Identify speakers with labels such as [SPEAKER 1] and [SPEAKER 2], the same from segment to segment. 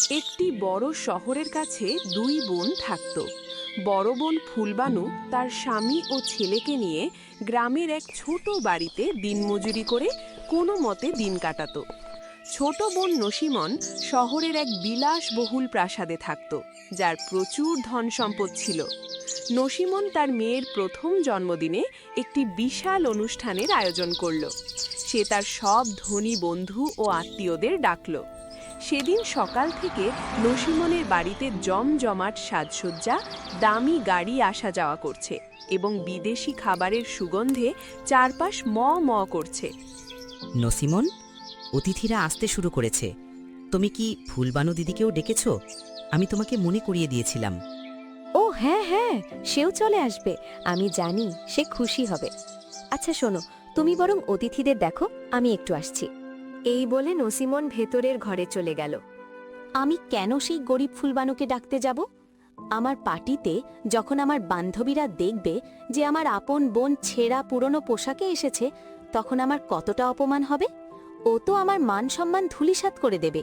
[SPEAKER 1] একটি বড় শহরের কাছে দুই বোন থাকত। বড় বোন ফুলবানু তার স্বামী ও ছেলেকে নিয়ে গ্রামের এক ছোট বাড়িতে দিনমজুরি করে কোনো মতে দিন কাটাতো। ছোট বোন নসিমন শহরের এক বিলাসবহুল প্রাসাদে থাকত, যার প্রচুর ধন সম্পদ ছিল। নসিমন তার মেয়ের প্রথম জন্মদিনে একটি বিশাল অনুষ্ঠানের আয়োজন করল। সে তার সব ধনী বন্ধু ও আত্মীয়দের ডাকল। সেদিন সকাল থেকে নসিমনের বাড়িতে জমজমাট সাজসজ্জা, দামি গাড়ি আসা যাওয়া করছে এবং বিদেশি খাবারের সুগন্ধে চারপাশ ম ম করছে।
[SPEAKER 2] নসিমন, অতিথিরা আসতে শুরু করেছে। তুমি কি ফুলবানু দিদিকেও ডেকেছ? আমি তোমাকে মনে করিয়ে দিয়েছিলাম।
[SPEAKER 3] ও হ্যাঁ হ্যাঁ, সেও চলে আসবে। আমি জানি সে খুশি হবে। আচ্ছা শোনো, তুমি বরং অতিথিদের দেখো, আমি একটু আসছি। এই বলে নসিমন ভেতরের ঘরে চলে গেল। আমি কেন সেই গরিব ফুলবানুকে ডাকতে যাব? আমার পার্টিতে যখন আমার বান্ধবীরা দেখবে যে আমার আপন বোন ছেঁড়া পুরনো পোশাকে এসেছে, তখন আমার কতটা অপমান হবে। ও তো আমার মান সম্মান ধূলিসাৎ করে দেবে।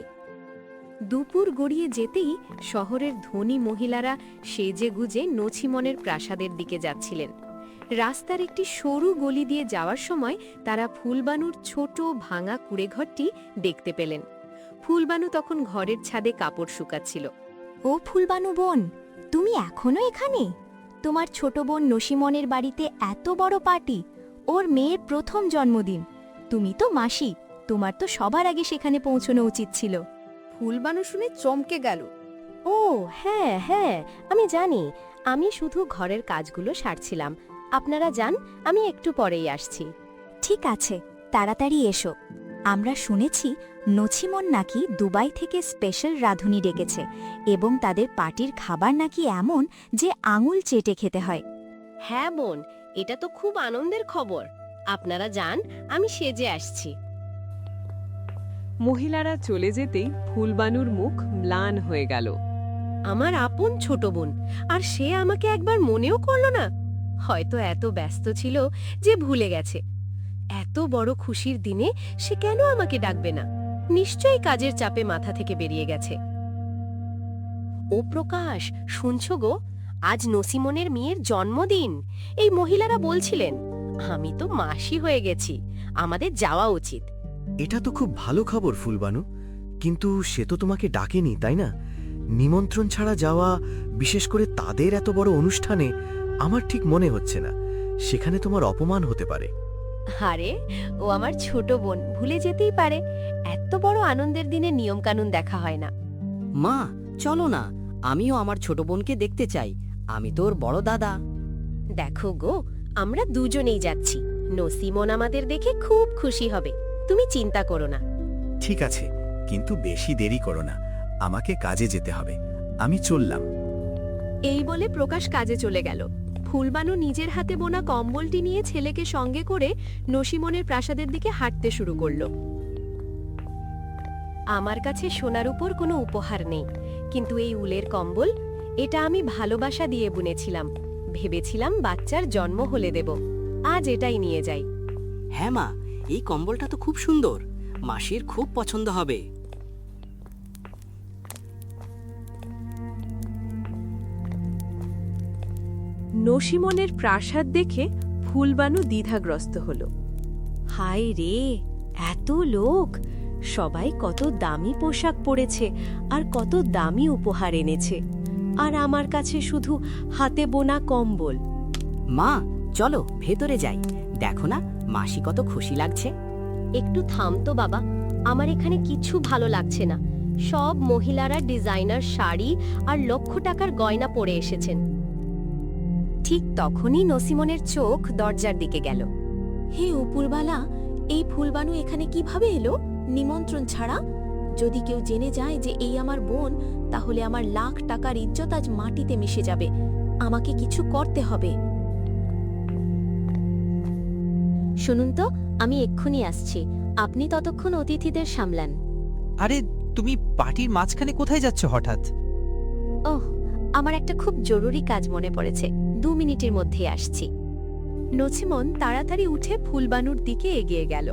[SPEAKER 3] দুপুর গড়িয়ে যেতেই শহরের ধনী মহিলারা সেজে গুজে নছিমনের প্রাসাদের দিকে যাচ্ছিলেন। রাস্তার একটি সরু গলি দিয়ে যাওয়ার সময় তারা ফুলবানুর ছোট ভাঙা কুঁড়েঘরটি দেখতে পেলেন। ফুলবানু তখন ঘরের ছাদে কাপড় শুকাচ্ছিল। ও ফুলবানু বোন, তুমি এখনো এখানে? তোমার ছোট বোন নসিমনের বাড়িতে এত বড় পার্টি, ওর মেয়ের প্রথম জন্মদিন। তুমি তো মাসি, তোমার তো সবার আগে সেখানে পৌঁছানো উচিত ছিল।
[SPEAKER 4] ফুলবানু শুনে চমকে গেল।
[SPEAKER 3] ও হ্যাঁ হ্যাঁ, আমি জানি। আমি শুধু ঘরের কাজগুলো সারছিলাম। আপনারা যান, আমি একটু পরেই আসছি। ঠিক আছে, তাড়াতাড়ি এসো। আমরা শুনেছি নছিমন নাকি দুবাই থেকে স্পেশাল রাঁধুনি ডেকেছে এবং তাদের পার্টির খাবার নাকি এমন যে আঙুল চেটে খেতে হয়।
[SPEAKER 5] হ্যাঁ বোন, এটা তো খুব আনন্দের খবর। আপনারা যান, আমি সেজে আসছি।
[SPEAKER 1] মহিলারা চলে যেতেই ফুলবানুর মুখ ম্লান হয়ে গেল।
[SPEAKER 5] আমার আপন ছোট বোন, আর সে আমাকে একবার মনেও করল না। হয়তো এত ব্যস্ত ছিল যে ভুলে গেছে। এত বড় খুশির দিনে সে কেন আমাকে ডাকবে না? নিশ্চয়ই কাজের চাপে মাথা থেকে বেরিয়ে গেছে। ও প্রকাশ, শুনছো গো? আজ নসিমনের মেয়ের জন্মদিন। এই মহিলারা বলছিলেন। আমি তো মাসি হয়ে গেছি, আমাদের যাওয়া উচিত।
[SPEAKER 6] এটা তো খুব ভালো খবর ফুলবানু, কিন্তু সে তো তোমাকে ডাকেনি, তাই না? নিমন্ত্রণ ছাড়া যাওয়া, বিশেষ করে তাদের এত বড় অনুষ্ঠানে, আমার ঠিক মনে হচ্ছে না। সেখানে তোমার অপমান হতে পারে।
[SPEAKER 5] আরে, ও আমার ছোট বোন, ভুলে যেতেই পারে। এত বড় আনন্দের দিনে নিয়মকানুন দেখা হয় না।
[SPEAKER 2] মা, চলো না, আমিও আমার ছোট বোনকে দেখতে চাই। আমি তোর বড় দাদা।
[SPEAKER 5] দেখো গো, আমরা দুজনেই যাচ্ছি। নসিমন আমাদের দেখে খুব খুশি হবে। তুমি চিন্তা করো না।
[SPEAKER 7] ঠিক আছে, কিন্তু বেশি দেরি করো না, আমাকে কাজে যেতে হবে। আমি চললাম।
[SPEAKER 3] এই বলে প্রকাশ কাজে চলে গেল। ফুলবানু নিজের হাতে বোনা কম্বলটি নিয়ে ছেলেকে সঙ্গে করে নসিমনের প্রাসাদের দিকে হাঁটতে শুরু করল।
[SPEAKER 5] আমার কাছে সোনার উপর কোনো উপহার নেই, কিন্তু এই উলের কম্বল, এটা আমি ভালোবাসা দিয়ে বুনেছিলাম। ভেবেছিলাম বাচ্চার জন্ম হলে দেব। আজ এটাই নিয়ে যাই।
[SPEAKER 2] হ্যাঁ মা, এই কম্বলটা তো খুব সুন্দর। মাসির খুব পছন্দ হবে।
[SPEAKER 1] নসিমনের প্রাসাদ দেখে ফুলবানু দ্বিধাগ্রস্ত হল।
[SPEAKER 3] হায় রে, এত লোক! সবাই কত দামি পোশাক পরেছে আর কত দামি উপহার এনেছে, আর আমার কাছে শুধু হাতে বোনা কম্বল।
[SPEAKER 2] মা, চলো ভেতরে যাই। দেখো না, মাসি কত খুশি লাগছে।
[SPEAKER 5] একটু থাম তো বাবা, আমার এখানে কিছু ভালো লাগছে না। সব মহিলারা ডিজাইনার শাড়ি আর লক্ষ টাকার গয়না পরে এসেছেন।
[SPEAKER 3] ঠিক তখনই নসিমনের চোখ দরজার দিকে গেল। হে উপরবালা, এই ফুলবানু এখানে কিভাবে এলো নিমন্ত্রণ ছাড়া? যদি কেউ জেনে যায় যে এই আমার বোন, তাহলে আমার লাখ টাকার ইজ্জত আজ মাটিতে মিশে যাবে। আমাকে কিছু করতে হবে।
[SPEAKER 5] শুনুন তো, আমি এক্ষুনি আসছি। আপনি ততক্ষণ অতিথিদের সামলান।
[SPEAKER 8] আরে, তুমি পার্টির মাঝখানে কোথায় যাচ্ছ হঠাৎ?
[SPEAKER 5] ওহ, আমার একটা খুব জরুরি কাজ মনে পড়েছে। 2 মিনিটের মধ্যেই আসছি।
[SPEAKER 3] নছিমন তাড়াতাড়ি উঠে ফুলবানুর দিকে এগিয়ে গেল।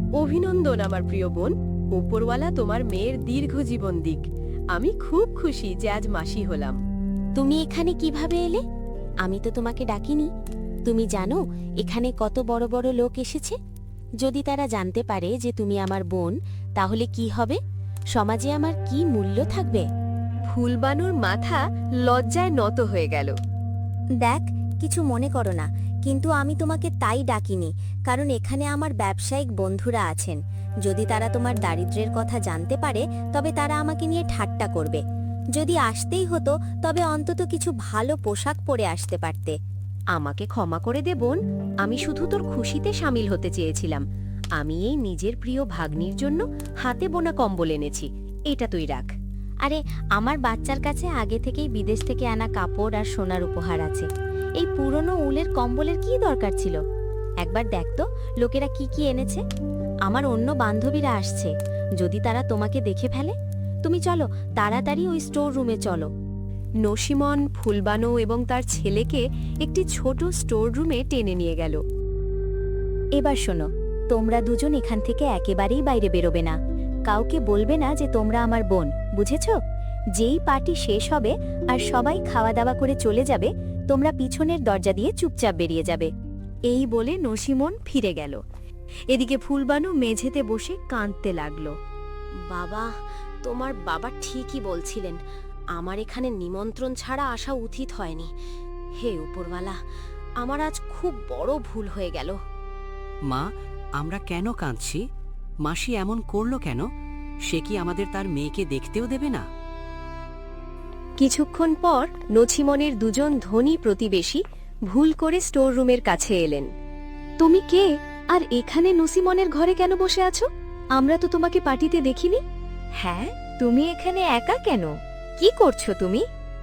[SPEAKER 5] অভিনন্দন আমার প্রিয় বোন, উপরওয়ালা তোমার মেয়ের দীর্ঘ জীবন দিক। আমি খুব খুশি যে আজ মাসি হলাম।
[SPEAKER 3] তুমি এখানে কিভাবে এলে? আমি তো তোমাকে ডাকিনি। তুমি জানো এখানে কত বড় বড় লোক এসেছে? যদি তারা জানতে পারে যে তুমি আমার বোন, তাহলে কি হবে? সমাজে আমার কি মূল্য থাকবে?
[SPEAKER 5] ফুলবানুর মাথা লজ্জায় নত হয়ে গেল।
[SPEAKER 3] দেখ, কিছু মনে করো না, কিন্তু আমি তোমাকে তাই ডাকিনি, কারণ এখানে আমার ব্যবসায়িক বন্ধুরা আছেন। যদি তারা তোমার দারিদ্র্যের কথা জানতে পারে, তবে তারা আমাকে নিয়ে ঠাট্টা করবে। যদি আসতেই হতো, তবে অন্তত কিছু ভালো পোশাক পরে আসতে পারতে।
[SPEAKER 5] আমাকে ক্ষমা করে দে বোন, আমি শুধু তোর খুশিতে সামিল হতে চেয়েছিলাম। আমি এই নিজের প্রিয় ভাগ্নির জন্য হাতে বোনা কম্বল এনেছি, এটা তুই রাখ।
[SPEAKER 3] আরে, আমার বাচ্চার কাছে আগে থেকেই বিদেশ থেকে আনা কাপড় আর সোনার উপহার আছে। এই পুরনো উলের কম্বলের কি দরকার ছিল? একবার দেখ তো লোকেরা কি কি এনেছে। আমার অন্য বান্ধবীরা আসছে, যদি তারা তোমাকে দেখে ফেলে? তুমি চলো, তাড়াতাড়ি ওই স্টোর রুমে চলো।
[SPEAKER 5] নসিমন ফুলবানো এবং তার ছেলেকে একটি ছোট স্টোর রুমে টেনে নিয়ে গেল।
[SPEAKER 3] এবার শোনো, তোমরা দুজন এখান থেকে একেবারেই বাইরে বেরোবে না। কাউকে বলবে না যে তোমরা আমার বোন, বুঝেছ? যেই পার্টি শেষ হবে আর সবাই খাওয়া দাওয়া করে চলে যাবে, তোমরা পিছনের দরজা দিয়ে চুপচাপ বেরিয়ে যাবে।
[SPEAKER 5] এই বলে নসিমন ফিরে গেল। এদিকে ফুলবানু মেঝেতে বসে কাঁদতে লাগলো।
[SPEAKER 3] বাবা, তোমার বাবা ঠিকই বলছিলেন, আমার এখানে নিমন্ত্রণ ছাড়া আসা উচিত হয়নি। হে উপরওয়ালা, আমার আজ খুব বড় ভুল হয়ে গেল।
[SPEAKER 2] মা, আমরা কেন কাঁদছি? মাসি এমন করলো কেন? সে কি আমাদের তার মেয়েকে দেখতেও দেবে না?
[SPEAKER 5] কিছুক্ষণ পর নছিমনের দুজন ধনী প্রতিবেশী ভুল করে স্টোর রুমের কাছে এলেন। তুমি কে, আর এখানে নসিমনের ঘরে কেন বসে আছো? আমরা তো তোমাকে পার্টিতে দেখিনি।
[SPEAKER 3] হ্যাঁ, তুমি এখানে একা কেন? কি করছো তুমি?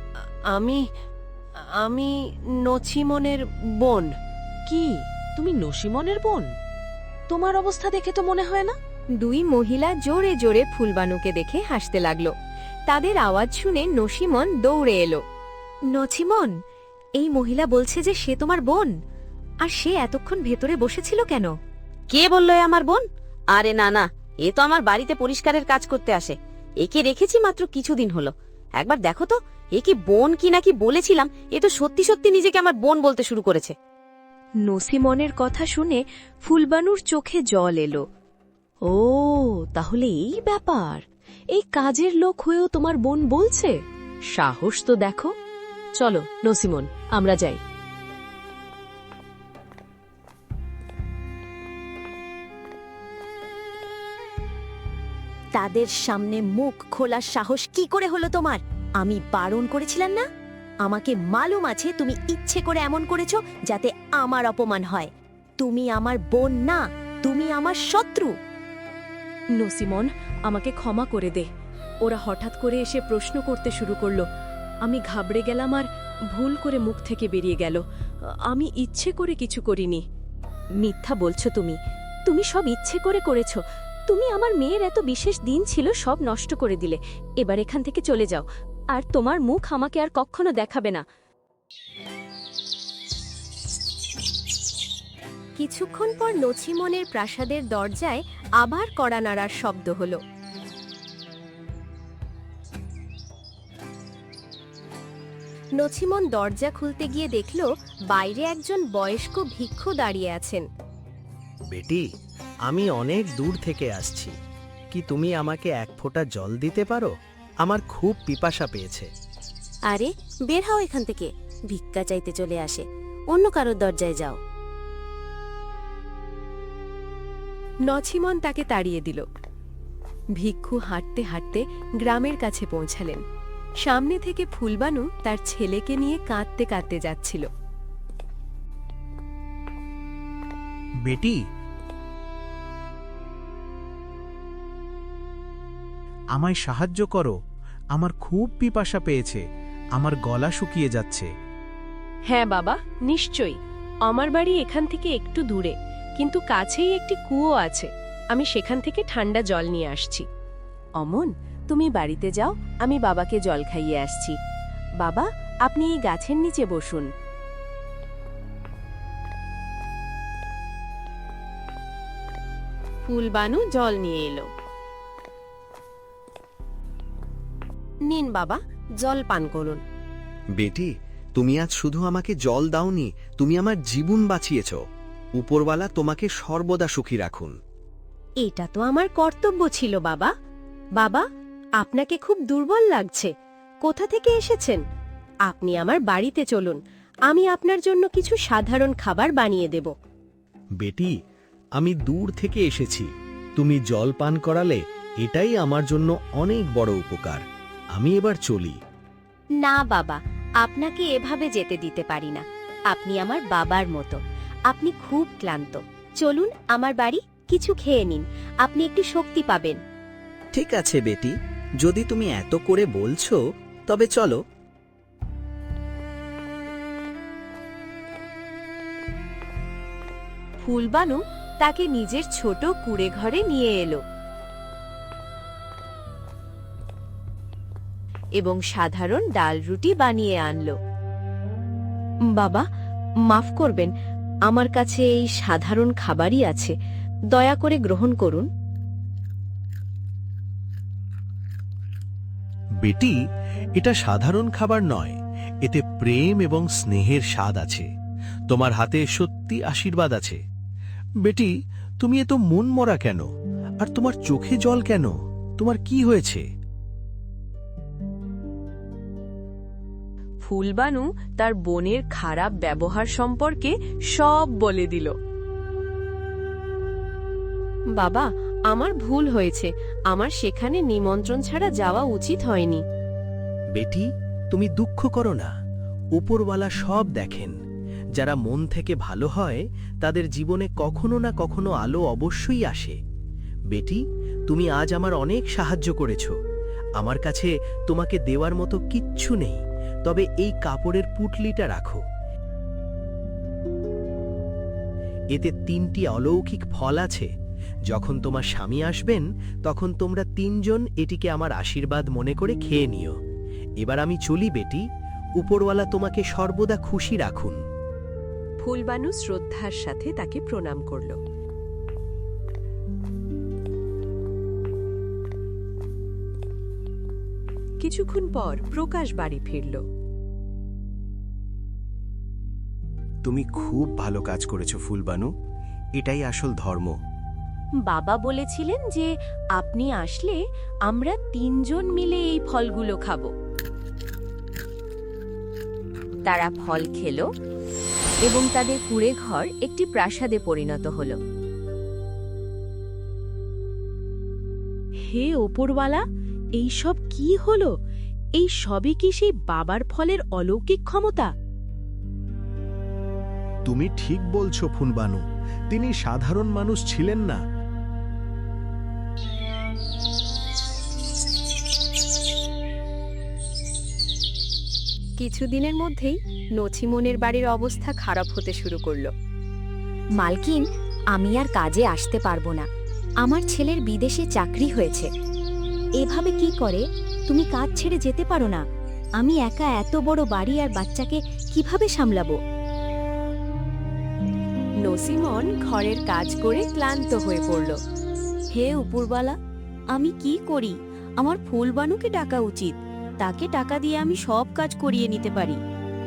[SPEAKER 5] আমি নছিমনের বোন।
[SPEAKER 1] কি, তুমি নসিমনের বোন? তোমার অবস্থা দেখে তো মনে হয় না।
[SPEAKER 5] দুই মহিলা জোরে জোরে ফুলবানুকে দেখে হাসতে লাগলো। তাদের আওয়াজ শুনে নসিমন দৌড়ে এলো। নছিমন, এই মহিলা বলছে যে সে তোমার বোন, আর সে এতক্ষণ ভেতরে বসেছিল কেন?
[SPEAKER 2] কে বললো এ আমার বোন? আরে না না, এ তো আমার বাড়িতে পরিষ্কারের কাজ করতে আসে। একে রেখেছি মাত্র কিছুদিন হলো। একবার দেখো তো, এ কি বোন কি নাকি বলেছিলাম, এ তো সত্যি সত্যি নিজেকে আমার বোন বলতে শুরু করেছে।
[SPEAKER 5] নসিমনের কথা শুনে ফুলবানুর চোখে জল এলো। ও, তাহলে এই ব্যাপার। এই কাজের লোক হয়েও তোমার বোন বলছে? সাহস তো দেখো। চলো নসিমন, আমরা যাই।
[SPEAKER 3] তাদের সামনে মুখ খোলার সাহস কি করে হলো তোমার? আমি বারণ করেছিলাম না? আমাকে মালুম আছে তুমি ইচ্ছে করে এমন করেছো যাতে আমার অপমান হয়। তুমি আমার বোন না, তুমি আমার শত্রু।
[SPEAKER 5] নসিমন, আমাকে ক্ষমা করে দে। ওরা হঠাৎ করে এসে প্রশ্ন করতে শুরু করলো। আমি ঘাবড়ে গেলাম আর ভুল করে মুখ থেকে বেরিয়ে গেল। আমি ইচ্ছে করে কিছু করিনি। মিথ্যা বলছো তুমি। তুমি সব ইচ্ছে করে করেছো। তুমি আমার মেয়ের এত বিশেষ দিন ছিল, সব নষ্ট করে দিলে। এবার এখান থেকে চলে যাও, আর তোমার মুখ আমাকে আর কখনো দেখাবে না। কিছুক্ষণ পর নছিমনের প্রাসাদের দরজায় আবার কড়া নাড়ার শব্দ হলো। নছিমন দরজা খুলতে গিয়ে দেখল বাইরে একজন বয়স্ক ভিক্ষু দাঁড়িয়ে আছেন।
[SPEAKER 6] বেটি, আমি অনেক দূর থেকে আসছি। কি তুমি আমাকে এক ফোঁটা জল দিতে পারো? আমার খুব পিপাসা পেয়েছে।
[SPEAKER 3] আরে, বের হও এখান থেকে। ভিক্ষা চাইতে চলে আসে, অন্য কারোর দরজায় যাও।
[SPEAKER 5] নছিমন তাকে তাড়িয়ে দিল। ভিক্ষু হাঁটতে হাঁটতে গ্রামের কাছে পৌঁছালেন। সামনে থেকে ফুলবানু তার ছেলেকে নিয়ে কাঁদতে কাঁদতে যাচ্ছিল।
[SPEAKER 8] বেটি, আমায় সাহায্য করো। আমার খুব পিপাসা পেয়েছে, আমার গলা শুকিয়ে যাচ্ছে।
[SPEAKER 5] হ্যাঁ বাবা, নিশ্চয়ই। আমার বাড়ি এখান থেকে একটু দূরে, কিন্তু কাছেই একটি কুয়ো আছে। আমি সেখান থেকে ঠান্ডা জল নিয়ে আসছি। অমন, তুমি বাড়িতে যাও, আমি বাবাকে জল খাইয়ে আসছি। বাবা, আপনি এই গাছের নিচে বসুন। ফুলবানু জল নিয়ে এলো। নিন বাবা, জল পান করুন।
[SPEAKER 6] বেটি, তুমি আজ শুধু আমাকে জল দাওনি, তুমি আমার জীবন বাঁচিয়েছ। উপরওয়ালা তোমাকে সর্বদা সুখী রাখুন।
[SPEAKER 5] এটা তো আমার কর্তব্য ছিল বাবা। বাবা, আপনাকে খুব দুর্বল লাগছে। কোথা থেকে এসেছেন? আপনি আমার বাড়িতে চলুন, আমি আপনার জন্য কিছু সাধারণ খাবার বানিয়ে দেব।
[SPEAKER 6] বেটি, আমি দূর থেকে এসেছি, তুমি জল পান করালে এটাই আমার জন্য অনেক বড় উপকার। আমি এবার চলি।
[SPEAKER 3] না বাবা, আপনাকে এভাবে যেতে দিতে পারি না। আপনি আমার বাবার মতো। আপনি খুব ক্লান্ত। চলুন আমার বাড়ি, কিছু খেয়ে নিন, আপনি একটু শক্তি পাবেন।
[SPEAKER 9] ঠিক আছে বেটি, যদি তুমি এত করে বলছো তবে চলো।
[SPEAKER 3] ফুলবানু তাকে নিজের ছোট কুঁড়ে ঘরে নিয়ে এলো এবং সাধারণ ডাল রুটি বানিয়ে আনলো।
[SPEAKER 5] বাবা, মাফ করবেন, আমার কাছে এই সাধারণ খাবারই আছে, দয়া করে গ্রহণ করুন।
[SPEAKER 8] বেটি, এটা সাধারণ খাবার নয়, এতে প্রেম এবং স্নেহের স্বাদ আছে। তোমার হাতে সত্যি আশীর্বাদ আছে। বেটি, তুমি এত মন মরা কেন? আর তোমার চোখে জল কেন? তোমার কি হয়েছে?
[SPEAKER 1] ফুলবানু তার বোনের খারাপ ব্যবহার সম্পর্কে সব বলে দিল।
[SPEAKER 5] বাবা, আমার ভুল হয়েছে, আমার সেখানে নিমন্ত্রণ ছাড়া যাওয়া উচিত হয়নি।
[SPEAKER 6] বেটি, তুমি দুঃখ করো না, উপরওয়ালা সব দেখেন। যারা মন থেকে ভালো হয় তাদের জীবনে কখনো না কখনো আলো অবশ্যই আসে। বেটি, তুমি আজ আমার অনেক সাহায্য করেছ। আমার কাছে তোমাকে দেওয়ার মতো কিচ্ছু নেই, তবে এই কাপড়ের পুটলিটা রাখো। এতে 3টি অলৌকিক ফল আছে। যখন তোমার স্বামী আসবেন তখন তোমরা 3জন এটিকে আমার আশীর্বাদ মনে করে খেয়ে নিও। এবার আমি চলি বেটি, উপরওয়ালা তোমাকে সর্বদা খুশি রাখুন।
[SPEAKER 1] ফুলবানু শ্রদ্ধার সাথে তাকে প্রণাম করল। কিছুক্ষণ পর প্রকাশ বাড়ি ফিরল।
[SPEAKER 7] তুমি খুব ভালো কাজ করেছো ফুলবানু, এটাই আসল ধর্ম।
[SPEAKER 3] বাবা বলেছিলেন যে আপনি আসলে আমরা 3জন মিলে এই ফলগুলো খাবো। তারা ফল খেলো এবং তাদের কুঁড়ে ঘর একটি প্রাসাদে পরিণত হলো।
[SPEAKER 5] হে ওপরওয়ালা, এই সব কি হলো? এই সবই কি সেই বাবার ফলের অলৌকিক ক্ষমতা?
[SPEAKER 8] তুমি ঠিক বলছো ফুলবানু, তিনি সাধারণ মানুষ ছিলেন না।
[SPEAKER 3] কিছুদিনের মধ্যেই নছিমনের বাড়ির অবস্থা খারাপ হতে শুরু করলো। মালকিন, আমি আর কাজে আসতে পারবো না। আমার ছেলের বিদেশে চাকরি হয়েছে। এভাবে কি করে? তুমি কাজ ছেড়ে যেতে পারো না। আমি একা এত বড় বাড়ি আর বাচ্চাকে কিভাবে সামলাবো? নসিমন ঘরের কাজ করে ক্লান্ত হয়ে পড়ল। হে উপরওয়ালা, আমি কি করি? আমার ফুলবানুকে ডাকা উচিত। তাকে টাকা দিয়ে আমি সব কাজ করিয়ে নিতে পারি।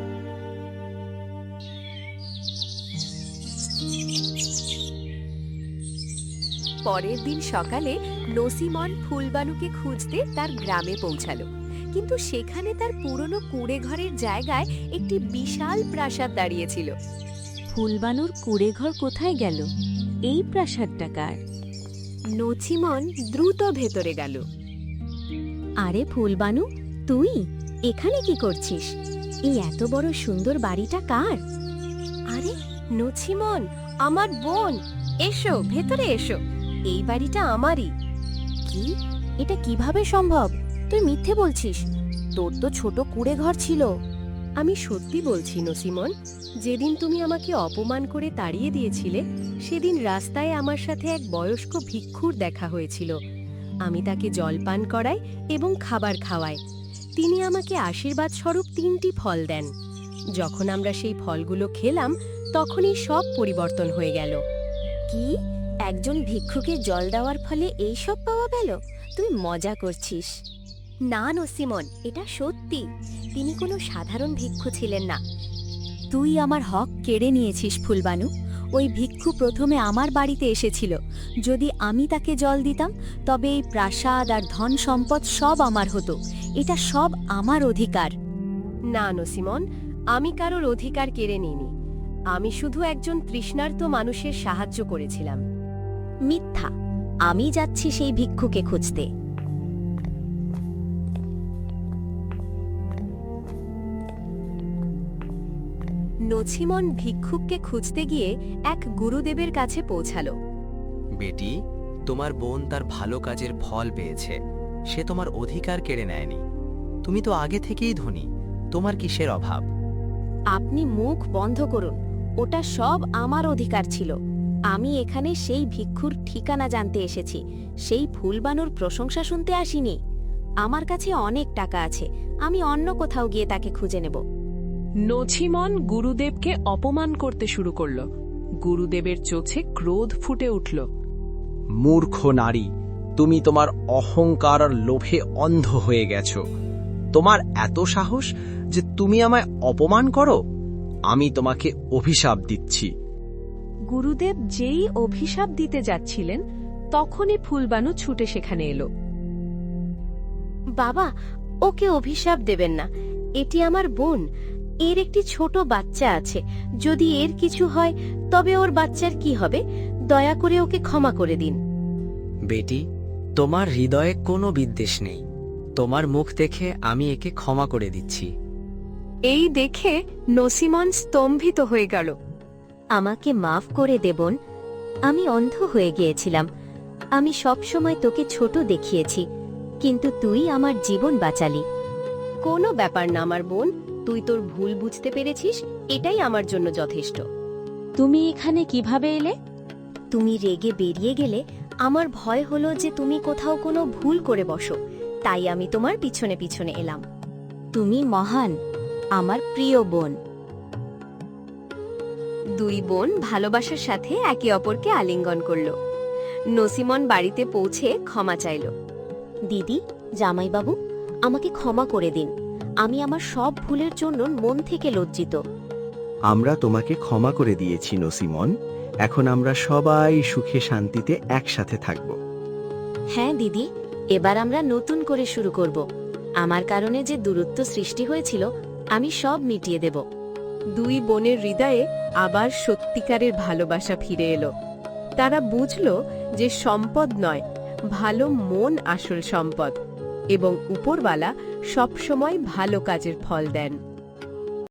[SPEAKER 3] পরের দিন সকালে নসিমন ফুলবানুকে খুঁজতে তার গ্রামে পৌঁছালো, কিন্তু সেখানে তার পুরনো কুঁড়ে ঘরের জায়গায় একটি বিশাল প্রাসাদ দাঁড়িয়েছিল। ফুলবানুর কুঁড়ে ঘর কোথায় গেল? এই প্রাসাদটা কার? নছিমন দ্রুত ভেতরে গেল। আরে ফুলবানু, তুই এখানে কি করছিস? এই এত বড় সুন্দর বাড়িটা কার? আরে নছিমন, আমার বোন, এসো ভেতরে এসো। এই বাড়িটা আমারই। কি? এটা কিভাবে সম্ভব? তুই মিথ্যে বলছিস। তোর তো ছোট কুঁড়ে ঘর ছিল।
[SPEAKER 5] আমি সত্যি বলছি নসিমন, যেদিন তুমি আমাকে অপমান করে তাড়িয়ে দিয়েছিলে সেদিন রাস্তায় আমার সাথে এক বয়স্ক ভিক্ষুর দেখা হয়েছিল। আমি তাকে জলপান করাই এবং খাবার খাওয়াই। তিনি আমাকে আশীর্বাদ স্বরূপ 3টি ফল দেন। যখন আমরা সেই ফলগুলো খেলাম তখনই সব পরিবর্তন হয়ে গেল।
[SPEAKER 3] কি? একজন ভিক্ষুকে জল দেওয়ার ফলে এই সব পাওয়া গেল? তুই মজা করছিস। না নসিমন, এটা সত্যি। তিনি কোনো সাধারণ ভিক্ষু ছিলেন না। তুই আমার হক কেড়ে নিয়েছিস ফুলবানু। ওই ভিক্ষু প্রথমে আমার বাড়িতে এসেছিল। যদি আমি তাকে জল দিতাম তবে এই প্রাসাদ আর ধন সম্পদ সব আমার হতো। এটা সব আমার অধিকার।
[SPEAKER 5] না নসিমন, আমি কারোর অধিকার কেড়ে নিইনি। আমি শুধু একজন তৃষ্ণার্ত মানুষের সাহায্য করেছিলাম।
[SPEAKER 3] মিথ্যা। আমি যাচ্ছি সেই ভিক্ষুকে খুঁজতে।
[SPEAKER 5] নছিমন ভিক্ষুককে খুঁজতে গিয়ে এক গুরুদেবের কাছে পৌঁছালো।
[SPEAKER 10] বেটি, তোমার বোন তার ভালো কাজের ফল পেয়েছে। সে তোমার অধিকার কেড়ে নেয়নি। তুমি তো আগে থেকেই ধনী, তোমার কিসের অভাব?
[SPEAKER 2] আপনি মুখ বন্ধ করুন। ওটা সব আমার অধিকার ছিল। আমি এখানে সেই ভিক্ষুর ঠিকানা জানতে এসেছি, সেই ফুলবানুর প্রশংসা শুনতে আসিনি। আমার কাছে অনেক টাকা আছে, আমি অন্য কোথাও গিয়ে তাকে খুঁজে নেব।
[SPEAKER 1] নছিমন গুরুদেবকে অপমান করতে শুরু করল। গুরুদেবের চোখে ক্রোধ ফুটে উঠল।
[SPEAKER 11] মূর্খ নারী, তুমি তোমার অহংকার আর লোভে অন্ধ হয়ে গেছো। তোমার এত সাহস যে তুমি আমায় অপমান করো? আমি তোমাকে অভিশাপ দিচ্ছি।
[SPEAKER 5] গুরুদেব যেই অভিশাপ দিতে যাচ্ছিলেন তখনই ফুলবানু ছুটে সেখানে এলো।
[SPEAKER 2] বাবা, ওকে অভিশাপ দেবেন না। এটি আমার বোন। এর একটি ছোট বাচ্চা আছে। যদি এর কিছু হয় তবে ওর বাচ্চার কি হবে? দয়া করে ওকে ক্ষমা করে দিন।
[SPEAKER 9] বেটি, তোমার হৃদয়ে কোনো বিদ্বেষ নেই। তোমার মুখ দেখে আমি একে ক্ষমা করে দিচ্ছি।
[SPEAKER 5] এই দেখে নসিমন স্তম্ভিত হয়ে গেল।
[SPEAKER 3] আমাকে মাফ করে দে বোন। আমি অন্ধ হয়ে গিয়েছিলাম। আমি সবসময় তোকে ছোট দেখিয়েছি, কিন্তু তুই আমার জীবন বাঁচালি।
[SPEAKER 5] কোনো ব্যাপার না আমার বোন, তুই তোর ভুল বুঝতে পেরেছিস, এটাই আমার জন্য যথেষ্ট।
[SPEAKER 2] তুমি এখানে কিভাবে এলে?
[SPEAKER 3] তুমি রেগে বেরিয়ে গেলে আমার ভয় হলো যে তুমি কোথাও কোনো ভুল করে বসো, তাই আমি তোমার পিছনে পিছনে এলাম। তুমি মহান, আমার প্রিয় বোন।
[SPEAKER 5] দুই বোন ভালোবাসার সাথে একে অপরকে আলিঙ্গন করল। নসিমন বাড়িতে পৌঁছে ক্ষমা চাইল।
[SPEAKER 2] দিদি, জামাইবাবু, আমাকে ক্ষমা করে দিন। আমি আমার সব ভুলের জন্য মন থেকে লজ্জিত।
[SPEAKER 6] আমরা তোমাকে ক্ষমা করে দিয়েছি নসিমন। এখন আমরা সবাই সুখে শান্তিতে একসাথে থাকব।
[SPEAKER 2] হ্যাঁ দিদি, এবার আমরা নতুন করে শুরু করব। আমার কারণে যে দূরত্ব সৃষ্টি হয়েছিল আমি সব মিটিয়ে দেব।
[SPEAKER 5] দুই বোনের হৃদয়ে আবার সত্যিকারের ভালোবাসা ফিরে এলো। তারা বুঝল যে সম্পদ নয়, ভালো মন আসল সম্পদ, এবং উপরওয়ালা সবসময় ভালো কাজের ফল দেন।